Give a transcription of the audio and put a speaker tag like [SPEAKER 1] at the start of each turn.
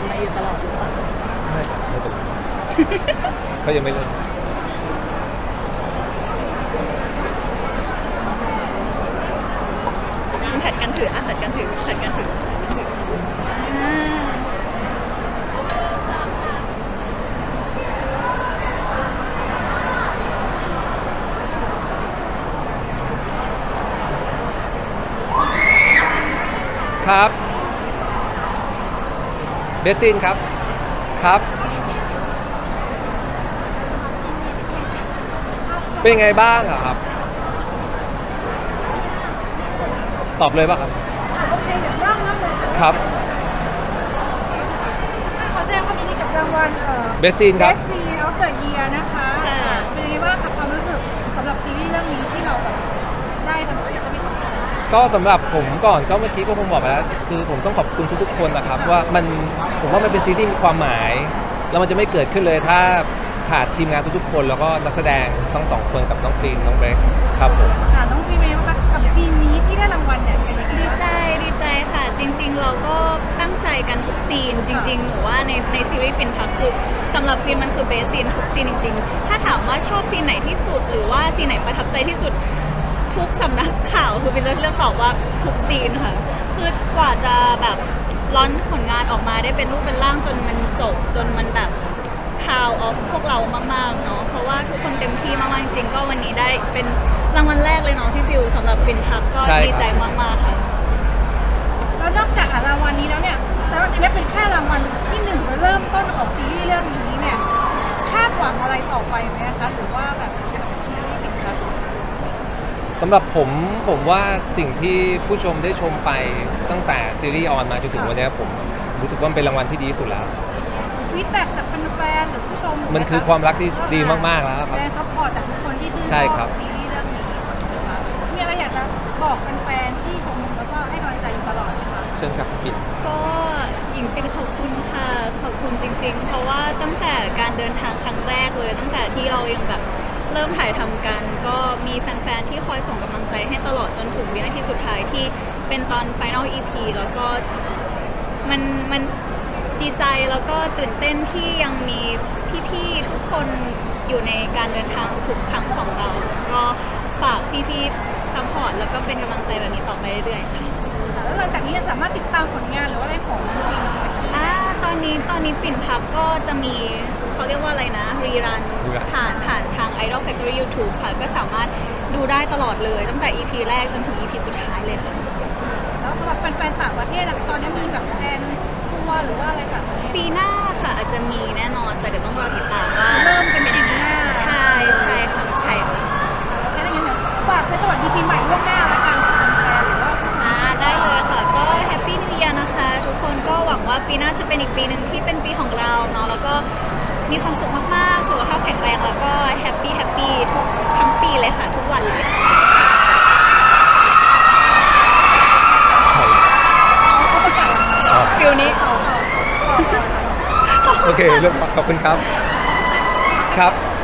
[SPEAKER 1] มาอยู่ตลอดหรือเปล่า
[SPEAKER 2] ไม่ครับไม่เป็นไรเขายังไม่เลิก
[SPEAKER 1] ผัดกันถือผัดกันถือผัดกันถือ
[SPEAKER 2] ครับเบสซินครับครับเป็นไงบ้างอะครับตอบเลยป่ะครับ
[SPEAKER 3] โอเคเดี๋ยวเริ่มเลย
[SPEAKER 2] ครับ
[SPEAKER 3] ขอแสดงความยินดีกับรางวัล
[SPEAKER 2] เบสซินครับ
[SPEAKER 3] Best Scene of the Year นะคะเป็นยังไงบ้างคะความรู้สึกสำหรับซีรีส์เรื่องนี้ที่เราแบบได้ทำให้เรามีความสุข
[SPEAKER 2] ก็สำหรับผมก่อนก็เมื่อกี้ก็ผมบอกไปแล้วคือผมต้องขอบคุณทุกๆคนนะครับว่าผมว่ามันเป็นซีรีส์ที่มีความหมายแล้วมันจะไม่เกิดขึ้นเลยถ้าขาดทีมงานทุกๆคนแล้วก็นักแสดงทั้งสองคนกับน้องฟิล์มน้องเบรคครับผม
[SPEAKER 3] น้องฟิล์มเป็นยังไงบ้างกับซีนนี้ที่ได้รางวัลเนี่ยเป็นยังไง
[SPEAKER 1] ดีใจค่ะจริงๆเราก็ตั้งใจกันทุกซีนจริงๆหรือว่าในซีรีส์ปิ่นพักคือสำหรับฟิล์มมันคือเบสซีนทุกซีนจริงๆถ้าถามว่าชอบซีนไหนที่สุดหรือว่าซีนไหนประทับใจที่สุดทุกสำนักข่าวคือเป็นเรื่องตอบว่าทุกซีนค่ะคือกว่าจะแบบร้อนผลงานออกมาได้เป็นรูปเป็นร่างจนมันจบจนมันแบบพาวออฟพวกเรามากๆเนาะเพราะว่าทุกคนเต็มที่มากๆจริงๆก็วันนี้ได้เป็นรางวัลแรกเลยเนาะพี่ฟิวสำหรับปิ่นพักก็ดีใจมากๆค่ะ
[SPEAKER 3] แล้วนอกจากรางวัลนี้แล้วเนี่ยสำหรับอันนี้เป็นแค่รางวัลที่1เริ่มต้นของซีรีส์เรื่องนี้เนี่ยคาดหวังอะไรต่อไปไหมคะหรือว่าแบบซีรีส์ปิ่นพัก
[SPEAKER 2] สำหรับผมว่าสิ่งที่ผู้ชมได้ชมไปตั้งแต่ซีรีส์ออนมาจนถึงวันนี้ผมรู้สึกว่าเป็นรางวัลที่ดีสุดแล้ว
[SPEAKER 3] ฟีดแบ็กจากแฟนๆหรือผู้ชม
[SPEAKER 2] มันคือความรักที่ดีมากๆแล้วครับ
[SPEAKER 3] แรงซัพพอร์ตจากทุกคนที่ชื่นชอบซีรีส์เรื่องนี้มีอะไรอยากจะบอกแฟนๆที่ชมแล้วก็ให้กำลังใจอยู่ตลอดนะคะ
[SPEAKER 2] เชิญครับพี่
[SPEAKER 1] ก็หญิงเป็นขอบคุณค่ะขอบคุณจริงๆเพราะว่าตั้งแต่การเดินทางครั้งแรกเลยตั้งแต่ที่เรายังแบบเริ่มถ่ายทำกันก็มีแฟนๆที่คอยส่งกำลังใจให้ตลอดจนถึงวินาทีสุดท้ายที่เป็นตอน Final EP แล้วก็มันดีใจแล้วก็ตื่นเต้นที่ยังมีพี่ๆทุกคนอยู่ในการเดินทางทุกครั้งของเราก็ฝากพี่ๆซัพพอร์ตแล้วก็เป็นกำลังใจแบบนี้ต่อไปเรื่อยๆค่ะ
[SPEAKER 3] แล้วหลังจากนี้จะสามารถติดตามผลงานหรือว่าอะไรของจริง
[SPEAKER 1] ตอนนี้ปิ่นพับก็จะมีเขาเรียกว่าอะไรนะรีรันผ่านทาง Idol Factory YouTube ค่ะก็สามารถดูได้ตลอดเลยตั้งแต่ EP แรกจนถึง EP สุดท้ายเลยค่ะ
[SPEAKER 3] แล้วสำหรับแฟนๆต่างประเทศตอนนี้มีแบบแฟนทัวร์หรือว่าอะไรแบบ
[SPEAKER 1] ปีหน้าค่ะอาจจะมีแน่นอนแต่เดี๋ยวต้องรอติดตามว่า
[SPEAKER 3] เริ่มเป็นยังไง
[SPEAKER 1] ใช่ค่ะใช่ค่ะ
[SPEAKER 3] แค่นั้นเองฝากไปสวัสดีปีใหม่ล่วงหน้าแล้วกันแฟนหรือว่า
[SPEAKER 1] ได้เลยค่ะก็แฮปปี้นิวเยียร์นะคะทุกคนก็หวังว่าปีหน้าจะเป็นอีกปีหนึ่งที่เป็นปีของเราเนาะแล้วก็มีความสุขมากๆสุขภาพแข็งแรงแล้วก็แฮปปี้ทุกทั้งปีเลยค่ะทุกวันเลยค่ะฟิลนี้
[SPEAKER 2] โอเคขอบคุณครับครับ